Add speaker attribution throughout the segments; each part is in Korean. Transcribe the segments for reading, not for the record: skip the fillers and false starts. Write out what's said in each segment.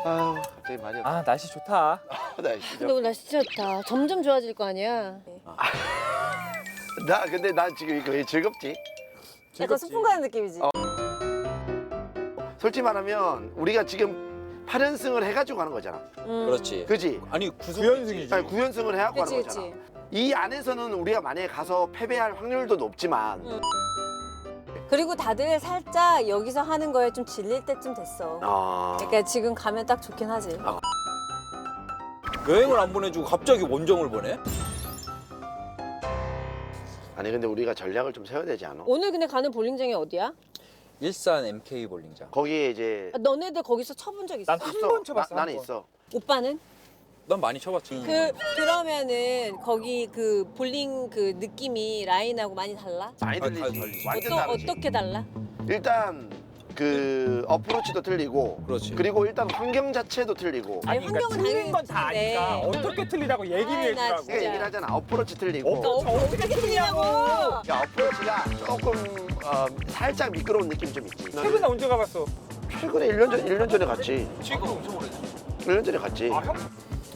Speaker 1: 아유, 갑자기 말이 없어.
Speaker 2: 아 날씨 좋다.
Speaker 1: 날씨
Speaker 3: 근데 오늘 날씨 진짜 좋다. 점점 좋아질 거 아니야.
Speaker 1: 근데 나 지금 이거 왜 즐겁지?
Speaker 3: 약간 소풍 가는 느낌이지.
Speaker 1: 솔직히 말하면 우리가 지금 8연승을 해가지고 가는 거잖아.
Speaker 4: 그렇지.
Speaker 1: 그지?
Speaker 4: 아니
Speaker 2: 9연승이지.
Speaker 1: 아니 9연승을 해갖고
Speaker 3: 그치,
Speaker 1: 가는 거잖아.
Speaker 3: 그치.
Speaker 1: 이 안에서는 우리가 만약에 가서 패배할 확률도 높지만
Speaker 3: 그리고 다들 살짝 여기서 하는 거에 좀 질릴 때쯤 됐어. 그러니까 지금 가면 딱 좋긴 하지.
Speaker 4: 여행을 안 보내주고 갑자기 원정을 보내?
Speaker 1: 아니 근데 우리가 전략을 좀 세워야 되지 않아?
Speaker 3: 오늘 근데 가는 볼링장이 어디야?
Speaker 4: 일산 MK 볼링장.
Speaker 1: 거기에 이제
Speaker 3: 아, 너네들 거기서 쳐본 적 있어?
Speaker 2: 난 한 번 쳐봤어.
Speaker 1: 나는
Speaker 2: 한 번.
Speaker 1: 있어.
Speaker 3: 오빠는?
Speaker 4: 난 많이 쳐봤지.
Speaker 3: 그러면은 거기 그 볼링 그 느낌이 라인하고 많이 달라?
Speaker 1: 많이
Speaker 4: 달리-
Speaker 1: 들리지.
Speaker 4: 달리지.
Speaker 1: 완전 다르지.
Speaker 3: 어떻게 달라?
Speaker 1: 일단 그 어프로치도 틀리고
Speaker 4: 그렇지.
Speaker 1: 그리고 일단 환경 자체도 틀리고
Speaker 3: 아니,
Speaker 2: 아니 그러니까
Speaker 3: 환경은
Speaker 2: 틀린 건 다
Speaker 3: 당연히
Speaker 2: 아니까
Speaker 3: 틀린데.
Speaker 2: 어떻게 틀리다고 얘기를
Speaker 3: 아이, 나
Speaker 2: 해주라고.
Speaker 3: 진짜.
Speaker 1: 그러니까 얘기를 하잖아. 어프로치 틀리고
Speaker 3: 어떻게 틀리냐고!
Speaker 1: 야, 어프로치가 조금 살짝 미끄러운 느낌 좀 있지.
Speaker 2: 최근에 언제 가봤어?
Speaker 1: 최근에 1년 전에 갔지.
Speaker 4: 지금 엄청 오래됐어.
Speaker 1: 1년 전에 갔지.
Speaker 2: 아 형?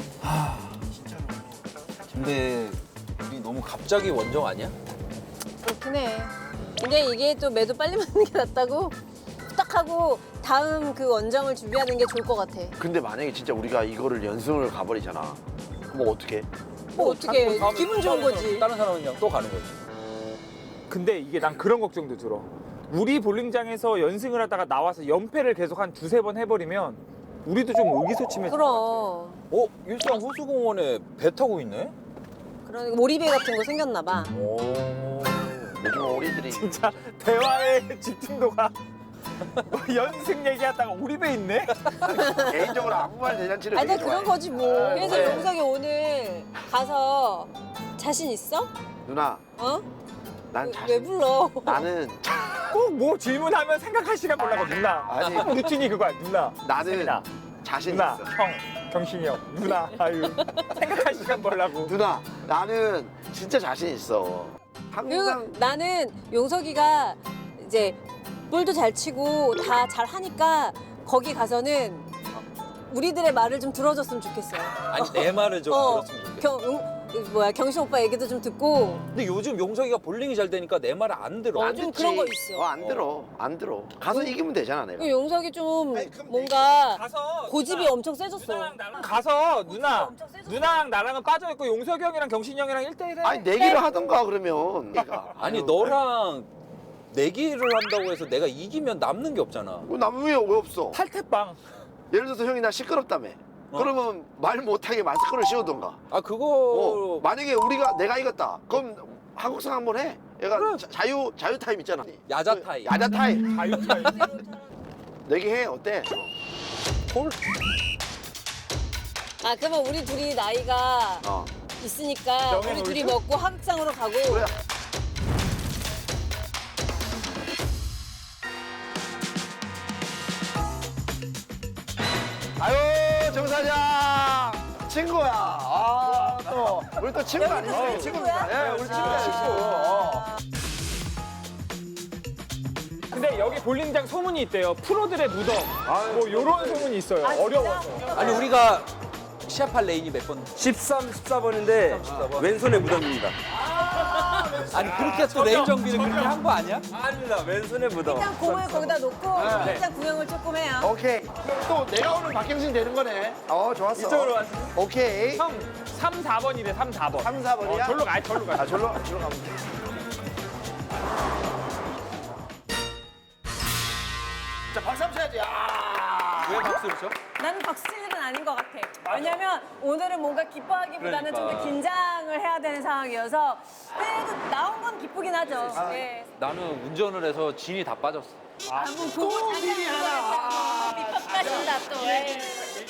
Speaker 4: 근데 우리 너무 갑자기 원정 아니야?
Speaker 3: 그렇긴 해. 근데 이게 또 매도 빨리 맞는 게 낫다고 딱 하고 다음 그 원정을 준비하는 게 좋을 것 같아.
Speaker 1: 근데 만약에 진짜 우리가 이거를 연승을 가버리잖아. 그럼 어떻게?
Speaker 3: 뭐 어떻게
Speaker 4: 다음에
Speaker 3: 기분 좋은 거지.
Speaker 4: 다른 사람은 그냥 또 가는 거지.
Speaker 2: 근데 이게 난 그런 걱정도 들어. 우리 볼링장에서 연승을 하다가 나와서 연패를 계속 한 두세 번 해버리면 우리도 좀 의기소침해져.
Speaker 3: 그럼.
Speaker 4: 일산 호수공원에 배 타고 있네?
Speaker 3: 그런 오리배 같은 거 생겼나 봐.
Speaker 4: 오.
Speaker 1: 요즘 어리들이
Speaker 2: 진짜 대화의 집중도가 연승 얘기하다가 우리 배 있네?
Speaker 1: 개인적으로 아무 말 대잔치를
Speaker 3: 아니
Speaker 1: 되게
Speaker 3: 근데 그런
Speaker 1: 좋아해.
Speaker 3: 거지 뭐. 그래서
Speaker 1: 네.
Speaker 3: 용석이 오늘 가서 자신 있어?
Speaker 1: 누나,
Speaker 3: 어?
Speaker 1: 난
Speaker 3: 왜
Speaker 1: 자신.
Speaker 3: 불러?
Speaker 1: 나는
Speaker 2: 꼭 뭐 질문하면 생각할 시간 몰라고 누나.
Speaker 1: 아니.
Speaker 2: 루틴이 그거야 누나.
Speaker 1: 나는
Speaker 2: 세민아,
Speaker 1: 자신
Speaker 2: 누나,
Speaker 1: 있어.
Speaker 2: 형, 경신이 형, 누나. 아유 생각할 시간 벌라고.
Speaker 1: 누나, 나는 진짜 자신 있어.
Speaker 3: 그리고
Speaker 1: 항상
Speaker 3: 나는 용석이가 이제 볼도 잘 치고 다 잘 하니까 거기 가서는 우리들의 말을 좀 들어줬으면 좋겠어.
Speaker 4: 아니 내 말을 좀 들었으면 좋겠어.
Speaker 3: 경신 오빠 얘기도 좀 듣고.
Speaker 4: 근데 요즘 용석이가 볼링이 잘 되니까 내 말을 안 들어.
Speaker 3: 어, 좀 그런 거 있어.
Speaker 1: 안 들어. 안 들어. 가서 이기면 되잖아, 내가.
Speaker 3: 그리고 용석이 좀 뭔가
Speaker 2: 가서
Speaker 3: 고집이
Speaker 2: 누나,
Speaker 3: 엄청 세졌어.
Speaker 2: 누나랑 나랑 가서 누나,
Speaker 3: 엄청 세졌어.
Speaker 2: 누나랑 나랑은 빠져 있고 용석이 형이랑 경신이 형이랑 1대1 해.
Speaker 1: 아니, 내기를 하던가 그러면.
Speaker 4: 아니 너랑 내기를 한다고 해서 내가 이기면 남는 게 없잖아.
Speaker 1: 남은 왜 없어?
Speaker 2: 탈퇴빵.
Speaker 1: 예를 들어서 형이 나 시끄럽다며. 그러면 말 못하게 마스크를 씌우던가.
Speaker 4: 아 그거
Speaker 1: 만약에 내가 이겼다. 그럼 한국상 한번 해. 얘가 자유 타임 있잖아.
Speaker 4: 야자 타임.
Speaker 1: 야자 타임.
Speaker 2: 자유타임.
Speaker 1: 내기 해. 어때?
Speaker 4: 콜?
Speaker 3: 아 그러면 우리 둘이 나이가
Speaker 1: 어.
Speaker 3: 있으니까
Speaker 2: 영예
Speaker 3: 우리 둘이
Speaker 2: 놀죠?
Speaker 3: 먹고 하극상으로 가고.
Speaker 1: 그래. 아유, 정 사장 친구야. 또 우리 또 친구
Speaker 3: 여기도
Speaker 1: 아니에요?
Speaker 3: 친구야?
Speaker 1: 예, 우리 친구야, 친구.
Speaker 2: 근데 여기 볼링장 소문이 있대요. 프로들의 무덤. 뭐 요런 소문이 있어요. 어려워서.
Speaker 4: 아니 우리가 시합할 레인이 몇 번?
Speaker 5: 13, 14번인데 왼손에 무덤입니다.
Speaker 4: 아니 그렇게 또 레인 정비를 그렇게 한 거 아니야?
Speaker 5: 아닙니다. 왼손에 무덤.
Speaker 3: 일단 공을 거기다 놓고 일단 구경을 조금 해요.
Speaker 1: 오케이. 그럼 또 내가 오늘 박경신 되는 거네. 좋았어.
Speaker 5: 이쪽으로 와주세요.
Speaker 1: 오케이.
Speaker 2: 형 3, 4번이래 3, 4번.
Speaker 1: 3, 4번이야?
Speaker 2: 절로 가, 절로 가.
Speaker 1: 절로 가면 돼. 자, 박수 한번 쳐야지.
Speaker 4: 왜 박수를 쳐?
Speaker 3: 나는 박수 칠 일은 아닌 것 같아. 왜냐면 오늘은 뭔가 기뻐하기보다는 좀 더 긴장을 해야 되는 상황이어서 그래도 나온 건 기쁘긴 하죠. 예.
Speaker 4: 나는 운전을 해서 진이 다 빠졌어.
Speaker 3: 또 미리 하나. 밑밥까신다 또. 예.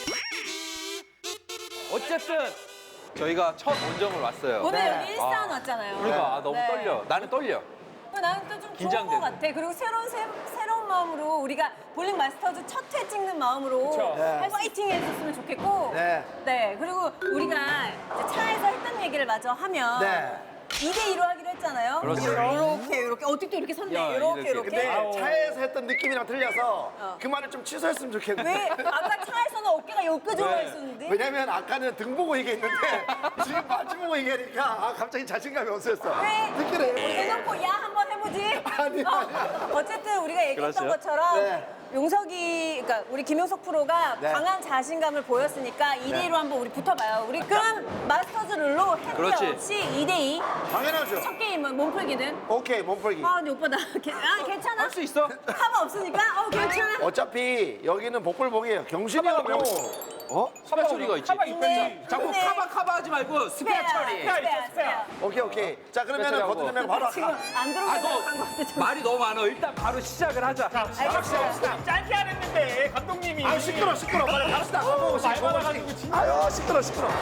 Speaker 4: 어쨌든 저희가 첫 원정을 왔어요.
Speaker 3: 오늘
Speaker 1: 네.
Speaker 3: 여기 일산 왔잖아요.
Speaker 4: 그러니까 너무
Speaker 3: 네.
Speaker 4: 떨려. 나는 떨려.
Speaker 3: 나는 또 좀 좋은
Speaker 4: 긴장되고.
Speaker 3: 것 같아. 그리고 새로운 마음으로 우리가 볼링 마스터즈 첫 회 찍는 마음으로
Speaker 2: 그쵸.
Speaker 1: 네.
Speaker 3: 파이팅 해줬으면 좋겠고.
Speaker 1: 네.
Speaker 3: 네. 그리고 우리가 이제 차에서 했던 얘기를 마저 하면
Speaker 1: 네.
Speaker 3: 2대2로 하기로 했잖아요.
Speaker 4: 그렇지.
Speaker 3: 이렇게. 어떻게 또 이렇게 섰네.
Speaker 4: 야,
Speaker 3: 이렇게.
Speaker 4: 이렇게.
Speaker 1: 근데 차에서 했던 느낌이랑 틀려서 그 말을 좀 취소했으면 좋겠는데.
Speaker 3: 왜? 아까 차에서는 어깨가 여기까지 올라 있었는데?
Speaker 1: 왜냐면 아까는 등 보고 얘기했는데 지금 바지 보고 얘기하니까 갑자기 자신감이 없어졌어.
Speaker 3: 왜?
Speaker 1: 느끼네.
Speaker 3: 대놓고 야 한번 해보지.
Speaker 1: 아니야.
Speaker 3: 어쨌든 우리가 얘기했던
Speaker 4: 그렇죠.
Speaker 3: 것처럼
Speaker 1: 네.
Speaker 3: 용석이, 그러니까 우리 김용석 프로가
Speaker 1: 네.
Speaker 3: 강한 자신감을 보였으니까 2대2로 한번 우리 붙어봐요. 우리 그럼 마스터즈 룰로 핸드
Speaker 4: 그렇지.
Speaker 3: 없이 2대2.
Speaker 1: 당연하죠.
Speaker 3: 첫 게임은 몸풀기는.
Speaker 1: 오케이 몸풀기.
Speaker 3: 아 근데 오빠 나 괜찮아?
Speaker 4: 할 수 있어.
Speaker 3: 카바 없으니까 괜찮아.
Speaker 1: 어차피 여기는 복불복이에요. 경신이 형
Speaker 2: 카바가
Speaker 1: 어?
Speaker 4: 스페 처리가 있지.
Speaker 3: 있네.
Speaker 4: 자꾸
Speaker 3: 있네.
Speaker 4: 카바 하지 말고 스페어 처리.
Speaker 3: 스페어.
Speaker 1: 오케이. 자 그러면은
Speaker 4: 하고.
Speaker 1: 버튼 누르면 바로
Speaker 3: 지금
Speaker 1: 아까.
Speaker 3: 안 들어오게
Speaker 4: 아, 너
Speaker 3: 한것 같아. 좀.
Speaker 4: 말이 너무 많아. 일단 바로 시작을 하자.
Speaker 3: 알겠어요.
Speaker 2: 짧게 안 했는데 감독님이.
Speaker 1: 아 시끄러. 빨리 갑시다.
Speaker 2: 말 많아가지고 진짜.
Speaker 1: 아유 시끄러.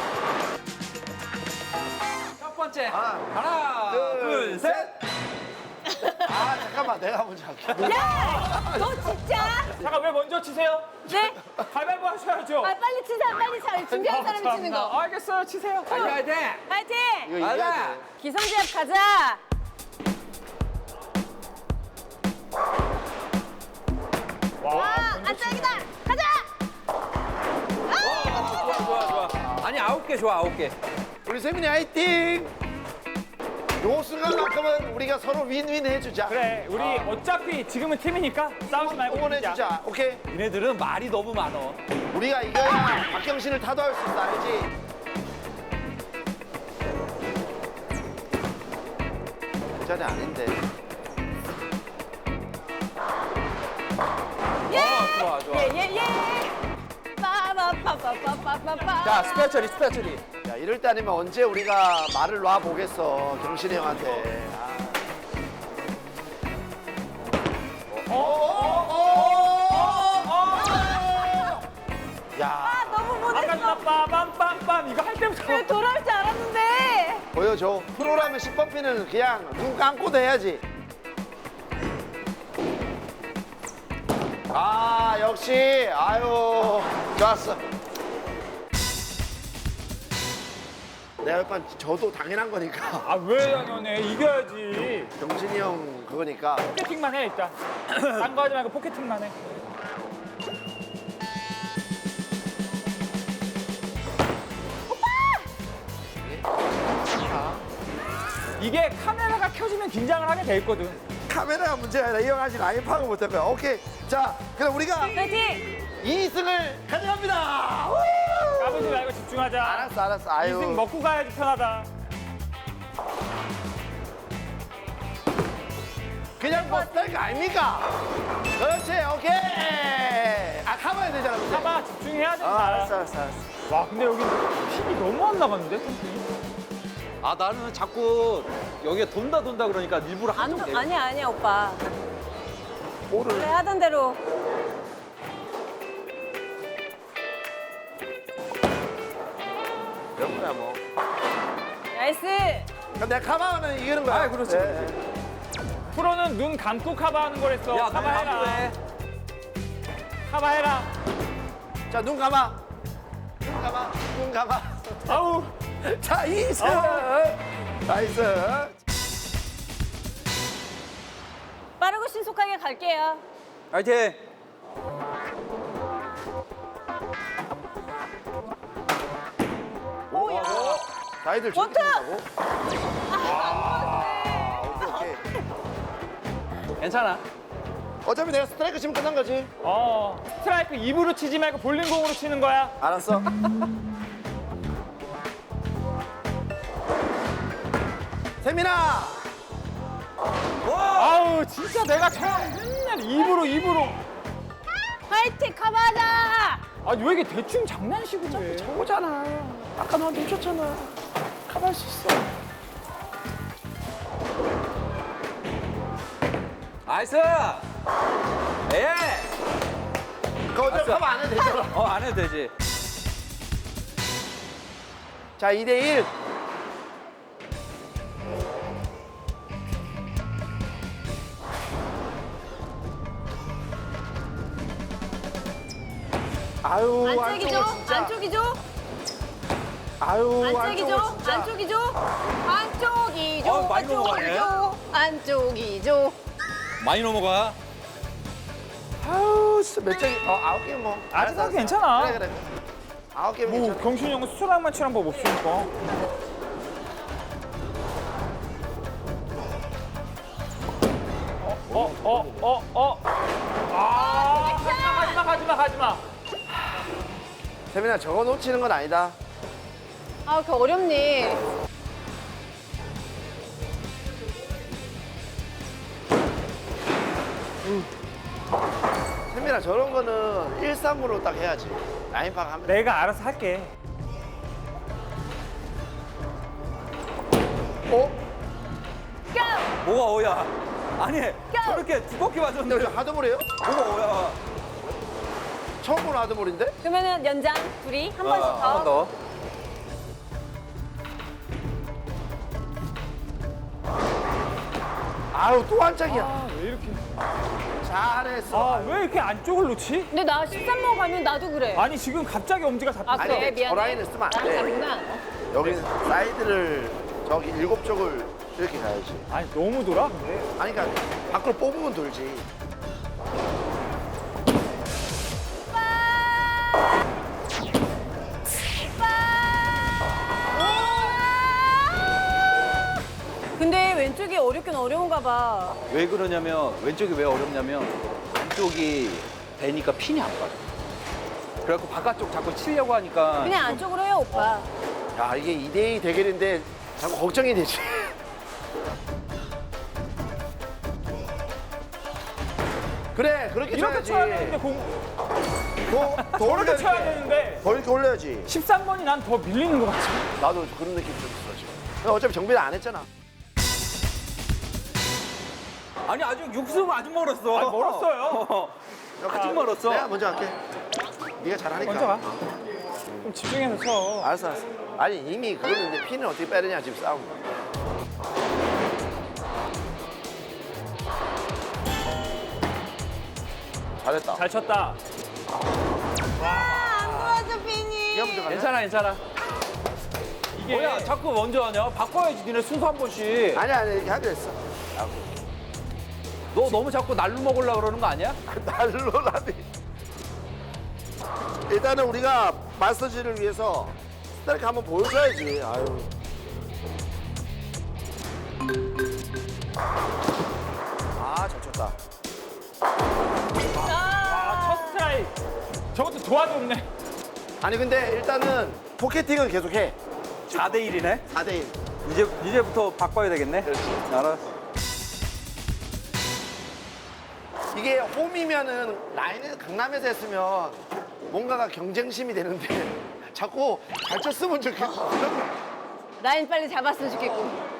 Speaker 4: 첫 번째.
Speaker 1: 하나,
Speaker 4: 하나,
Speaker 1: 둘, 셋. 아 잠깐만 내가 먼저 할게.
Speaker 3: 야! 너 진짜?
Speaker 2: 잠깐 왜 먼저 치세요?
Speaker 3: 네?
Speaker 2: 가위바위보 하셔야죠.
Speaker 3: 아, 빨리 치세요. 빨리 차. 준비한 사람이 치는 거.
Speaker 2: 알겠어요, 치세요.
Speaker 4: 달려야 돼.
Speaker 3: 파이팅!
Speaker 1: 이거 이겨야
Speaker 4: 가자.
Speaker 1: 돼.
Speaker 3: 기선제압 가자.
Speaker 2: 와,
Speaker 3: 안짝이다. 가자.
Speaker 4: 좋아. 아니 9개 좋아 9개.
Speaker 1: 우리 세민이 화이팅. 요 순간만큼은 우리가 서로 윈윈 해주자.
Speaker 2: 그래, 우리 어차피 지금은 팀이니까 싸우지 말고 이기자.
Speaker 1: 응원해주자. 오케이.
Speaker 4: 얘네들은 말이 너무 많어.
Speaker 1: 우리가 이겨야 박경신을 타도할 수 있어. 알지? 그 자리 아닌데.
Speaker 4: 좋아.
Speaker 3: 예. 빠바바바바바바바.
Speaker 4: 자 스페어 처리.
Speaker 1: 야 이럴 때 아니면 언제 우리가 말을 놔 보겠어 경신이 형한테. 야
Speaker 3: 아, 너무
Speaker 2: 아까
Speaker 3: 못했어.
Speaker 2: 나 빰빰빰빰 이거 할 때부터.
Speaker 3: 왜 돌아올 줄 알았는데.
Speaker 1: 보여줘. 프로라면 10번피는 그냥 눈 감고도 해야지. 아 역시 아유 좋았어. 내가 일단 저도 당연한 거니까
Speaker 2: 아, 왜 당연해. 이겨야지.
Speaker 1: 경신이 형 그거니까.
Speaker 2: 포켓팅만 해, 일단. 딴 거 하지 말고 포켓팅만 해. 이게 카메라가 켜지면 긴장을 하게 돼 있거든.
Speaker 1: 카메라가 문제가 아니라 이 형 아직 라인 파악을 못할 거야. 오케이. 자, 그럼 우리가
Speaker 3: 파이팅!
Speaker 1: 2승을 가져갑니다.
Speaker 2: 까불지 말고 집중하자.
Speaker 1: 알았어. 아유.
Speaker 2: 2승 먹고 가야지 편하다.
Speaker 1: 그냥 뭐 스타일 아닙니까? 그렇지, 오케이. 아, 가봐야 되잖아, 근데.
Speaker 2: 봐봐, 집중해야 된다.
Speaker 1: 알았어.
Speaker 2: 와, 근데 여기 핀이 너무 안 나갔는데, 핀이?
Speaker 4: 아 나는 자꾸 여기가 돈다 그러니까 일부러 한쪽 내려.
Speaker 3: 아니야, 오빠.
Speaker 1: 볼을.
Speaker 3: 그래, 하던 대로.
Speaker 1: 이런 거야, 뭐.
Speaker 3: 나이스.
Speaker 1: 그럼 내가 가봐하면 이기는 거야.
Speaker 4: 아, 그렇지.
Speaker 2: 프로는 눈 감고 카바하는 거랬어.
Speaker 4: 야,
Speaker 2: 카바해라.
Speaker 4: 너무
Speaker 2: 카바해라.
Speaker 1: 자, 눈 감아. 눈 감아.
Speaker 2: 아우.
Speaker 1: 자, 2승. 나이스.
Speaker 3: 빠르고 신속하게 갈게요.
Speaker 4: 화이팅.
Speaker 3: 오야.
Speaker 1: 나이들
Speaker 3: 원투!
Speaker 1: 저렇게 된다고? 오케이.
Speaker 4: 괜찮아.
Speaker 1: 어차피 내가 스트라이크 치면 끝난 거지.
Speaker 2: 스트라이크 입으로 치지 말고 볼링공으로 치는 거야.
Speaker 1: 알았어.
Speaker 2: 세민아! 아우, 진짜 내가 처음 맨날 입으로.
Speaker 3: 화이팅, 카바하자!
Speaker 2: 아니, 왜 이게 대충 장난식으로 해?
Speaker 1: 오잖아. 아까 너 놓쳤잖아. 가볼 수 있어.
Speaker 4: 나이스. 예.
Speaker 1: 그거 어차피 가면 안 해도 되잖아.
Speaker 4: 안 해도 되지.
Speaker 1: 자, 2대1. 아유,
Speaker 3: 안쪽이죠?
Speaker 1: 안쪽은 진짜.
Speaker 3: 안쪽이죠?
Speaker 1: 아유,
Speaker 3: 안쪽이죠?
Speaker 1: 안쪽은 진짜.
Speaker 3: 안쪽이죠? 안쪽이죠?
Speaker 4: 많이 넘어가네.
Speaker 3: 안쪽이죠.
Speaker 4: 많이 넘어가.
Speaker 1: 아우 진짜 몇 장이 9개 뭐.
Speaker 2: 아직
Speaker 1: 알았어,
Speaker 2: 괜찮아.
Speaker 1: 그래 그래. 9개면
Speaker 2: 뭐
Speaker 1: 괜찮아.
Speaker 2: 경신이 형은 수술랑만 치는 법 없으니까. 가지마.
Speaker 1: 세민아 저거 놓치는 건 아니다.
Speaker 3: 아, 그 어렵니.
Speaker 1: 세민아 저런 거는 1-3으로 딱 해야지. 라인 파악하면.
Speaker 2: 내가 알아서 할게.
Speaker 1: 어?
Speaker 4: 뭐가 오야? 아니 저렇게 두껍게
Speaker 1: 근데
Speaker 4: 맞았는데
Speaker 1: 왜 하드볼이에요?
Speaker 4: 뭐가 오야?
Speaker 1: 처음 보는 하드볼인데?
Speaker 3: 그러면은 연장 둘이 한 번씩
Speaker 4: 한 번
Speaker 3: 더.
Speaker 4: 더.
Speaker 1: 아우 또 한 짝이야.
Speaker 2: 왜 이렇게?
Speaker 1: 잘했어.
Speaker 2: 왜 이렇게 안쪽을 놓지?
Speaker 3: 근데 나 13번 가면 나도 그래.
Speaker 2: 아니 지금 갑자기 엄지가 잡혔어.
Speaker 3: 아, 그래?
Speaker 1: 아니,
Speaker 3: 미안해.
Speaker 1: 저 라인을 쓰면 안 돼.
Speaker 3: 나구나.
Speaker 1: 여기 사이드를 저기 7쪽을 이렇게 가야지.
Speaker 2: 아니 너무 돌아 근데.
Speaker 1: 아니 그러니까 밖으로 뽑으면 돌지.
Speaker 3: 근데 왼쪽이 어렵긴 어려운가 봐.
Speaker 4: 왜 그러냐면 왼쪽이 왜 어렵냐면 안쪽이 되니까 핀이 안 빠져. 그래갖고 바깥쪽 자꾸 치려고 하니까
Speaker 3: 그냥 안쪽으로 해요, 오빠.
Speaker 1: 야 이게 2대2 대결인데 자꾸 걱정이 되지. 그래 그렇게
Speaker 2: 이렇게
Speaker 1: 쳐야지.
Speaker 2: 쳐야 되는데 공
Speaker 1: 더
Speaker 2: 저렇게
Speaker 1: 올려야
Speaker 2: 쳐야
Speaker 1: 돼.
Speaker 2: 되는데
Speaker 1: 더 이렇게 올려야지.
Speaker 2: 13번이 난 더 밀리는 것 같지.
Speaker 1: 나도 그런 느낌이 좀 있어 지금. 근데 어차피 정비를 안 했잖아.
Speaker 4: 아니 아직 육수 아직 멀었어.
Speaker 2: 아니, 멀었어요.
Speaker 4: 아직 멀었어.
Speaker 1: 내가 먼저 할게. 네가 잘하니까.
Speaker 2: 먼저 가. 좀 집중해서 쳐.
Speaker 1: 알았어 알았어. 아니 이미 그거는 이제 핀을 어떻게 빼느냐 지금 싸움. 잘했다.
Speaker 2: 잘 쳤다.
Speaker 3: 안 도와줘, 빈이.
Speaker 1: 네가 먼저 갈래?
Speaker 4: 괜찮아 괜찮아.
Speaker 2: 이게
Speaker 4: 뭐야 자꾸 먼저 하냐? 바꿔야지 니네 순서 한 번씩.
Speaker 1: 아니 아니 이렇게 하기로 했어.
Speaker 4: 너 너무 자꾸 날로 먹으려고 그러는 거 아니야?
Speaker 1: 날로라니. 일단은 우리가 마스터즈를 위해서 스타일크 한번 보여줘야지. 아유. 잘 쳤다.
Speaker 2: 첫 스트라이크. 저것도 도와줬네.
Speaker 1: 아니 근데 일단은 포켓팅은 계속해.
Speaker 4: 4대 1이네.
Speaker 1: 4대1.
Speaker 4: 이제부터 바꿔야 되겠네.
Speaker 1: 그렇지.
Speaker 4: 알았어.
Speaker 1: 이게 홈이면은 라인을 강남에서 했으면 뭔가가 경쟁심이 되는데 자꾸 잘 쳤으면 좋겠고.
Speaker 3: 라인 빨리 잡았으면 좋겠고.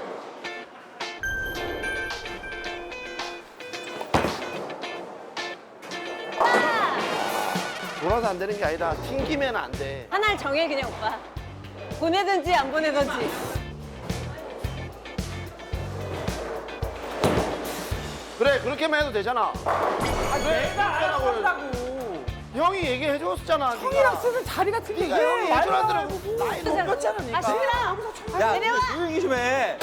Speaker 1: 돌아서 안 되는 게 아니라 튕기면 안 돼.
Speaker 3: 하나를 정해, 그냥 오빠. 보내든지 안 보내든지.
Speaker 1: 그래 그렇게만 해도 되잖아.
Speaker 2: 내가 알아서 한다고.
Speaker 1: 형이 얘기해 줬잖아.
Speaker 2: 형이랑 쓰는 자리가 틀리게.
Speaker 1: 네가 형이
Speaker 2: 말도 안
Speaker 1: 예전하더라고.
Speaker 2: 하고.
Speaker 1: 나이 높였잖아.
Speaker 3: 아, 시끄러.
Speaker 4: 야
Speaker 3: 내려와.
Speaker 4: 조용히 좀 해.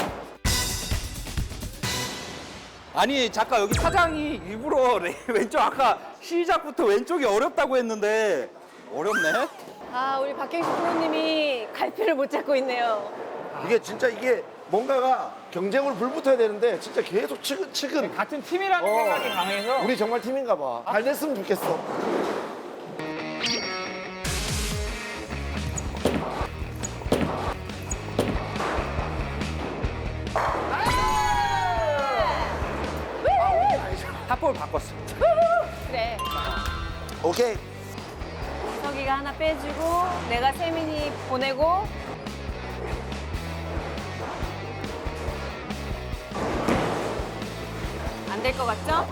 Speaker 4: 아니 잠깐 여기 사장이 일부러 왼쪽 아까 시작부터 왼쪽이 어렵다고 했는데 어렵네.
Speaker 3: 아, 우리 박경식 프로님이 갈피를 못 잡고 있네요.
Speaker 1: 이게 진짜 이게 뭔가가 경쟁으로 불붙어야 되는데 진짜 계속 치근.
Speaker 2: 같은 팀이라는 생각이 강해서.
Speaker 1: 우리 정말 팀인가 봐. 잘 됐으면 좋겠어.
Speaker 4: 탑볼 바꿨어.
Speaker 3: 그래.
Speaker 1: 오케이.
Speaker 3: 석이가 하나 빼주고, 내가 세민이 보내고. 안 될 것 같죠?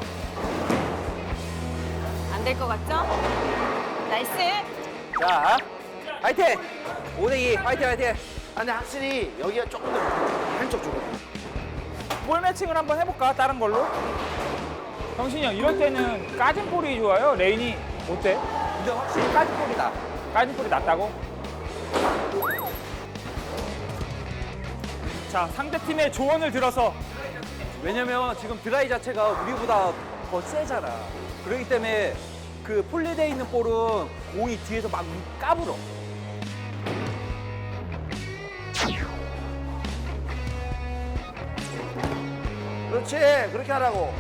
Speaker 3: 안 될 것 같죠? 나이스.
Speaker 4: 자, 화이팅! 5대2, 화이팅, 화이팅!
Speaker 1: 아니 확실히 여기가 조금 더 한쪽 쪽으로.
Speaker 2: 볼 매칭을 한번 해볼까? 다른 걸로? 경신이 형, 이럴 때는 까진 볼이 좋아요? 레인이 어때?
Speaker 4: 근데 확실히 까지볼이다.
Speaker 2: 까진 볼이 낫다고? 자, 상대팀의 조언을 들어서
Speaker 4: 왜냐면 지금 드라이 자체가 우리보다 더 세잖아. 그렇기 때문에 그 폴리되어 있는 볼은 공이 뒤에서 막 까불어.
Speaker 1: 그렇지. 그렇게 하라고.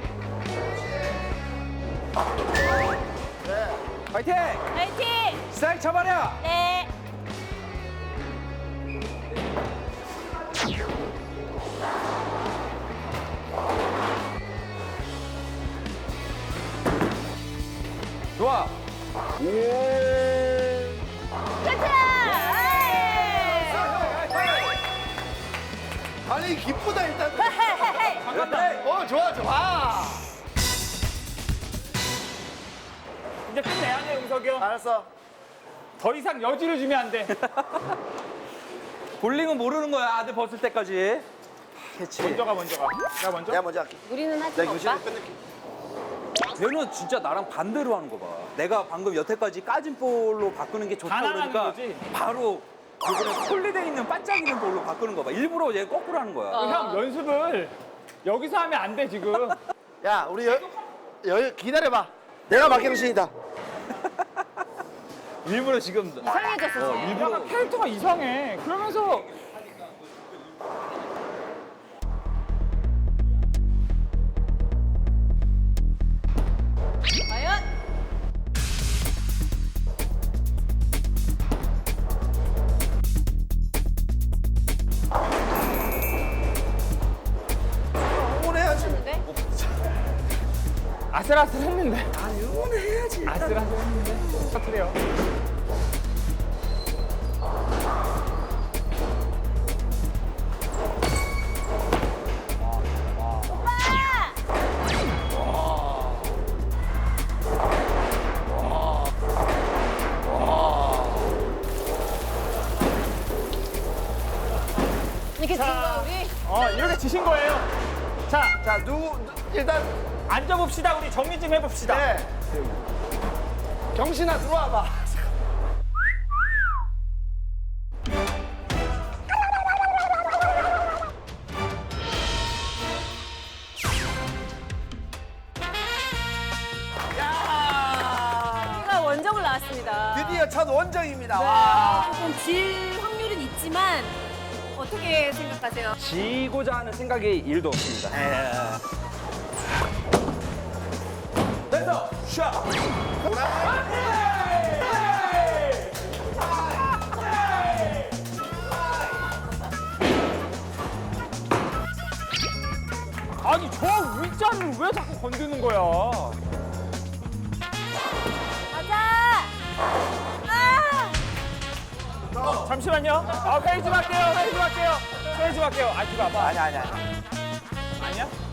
Speaker 4: 파이팅!
Speaker 3: 파이팅!
Speaker 4: 스트라이크 잡아라!
Speaker 3: 네.
Speaker 4: 좋아.
Speaker 3: 가자!
Speaker 1: 아니 기쁘다 일단.
Speaker 3: 헤헤헤.
Speaker 1: 어 좋아 좋아.
Speaker 2: 이제 끝내야 돼, 용석이 형.
Speaker 1: 알았어.
Speaker 2: 더 이상 여지를 주면 안 돼.
Speaker 4: 볼링은 모르는 거야. 아들 벗을 때까지. 그렇지.
Speaker 2: 먼저 가. 나 먼저.
Speaker 1: 내가 먼저 할게.
Speaker 3: 우리는 하지
Speaker 1: 내가
Speaker 3: 마,
Speaker 1: 교실을
Speaker 3: 오빠.
Speaker 1: 끝낼게.
Speaker 4: 쟤는 진짜 나랑 반대로 하는 거 봐. 내가 방금 여태까지 까진 볼로 바꾸는 게 좋다
Speaker 2: 다 나가는
Speaker 4: 그러니까
Speaker 2: 거지?
Speaker 4: 바로 이번에 폴리되어 있는 반짝이는 볼로 바꾸는 거 봐. 일부러 얘 거꾸로 하는 거야.
Speaker 2: 형, 연습을 여기서 하면 안 돼, 지금.
Speaker 1: 야 우리 기다려봐. 내가 막경신이다.
Speaker 4: 일부러 지금
Speaker 3: 이상해졌어, 쟤.
Speaker 2: 일부러 캐릭터가 이상해. 그러면서
Speaker 3: 과연?
Speaker 1: 응원해야지.
Speaker 3: 네?
Speaker 2: 아슬아슬했는데. 아니, 응원해야지. 아슬아슬했는데. 터트려.
Speaker 3: 이렇게 진 거야, 우리?
Speaker 2: 이렇게 지신 거예요. 자,
Speaker 1: 자 일단
Speaker 2: 앉아봅시다. 우리 정리 좀 해봅시다.
Speaker 1: 네. 경신아 들어와봐.
Speaker 3: 제가 원정을 나왔습니다.
Speaker 1: 드디어 첫 원정입니다. 와.
Speaker 3: 조금 질 확률은 있지만 어떻게 생각하세요?
Speaker 5: 지고자 하는 생각이 1도 없습니다.
Speaker 2: 됐어. 샷. 아니, 저 위자를 왜 자꾸 건드는 거야?
Speaker 3: 가자! 아!
Speaker 2: 잠시만요. 회의 좀 할게요. 회의 좀 할게요. 아, 뒤가 아파.
Speaker 1: 아니야.
Speaker 2: 아니야?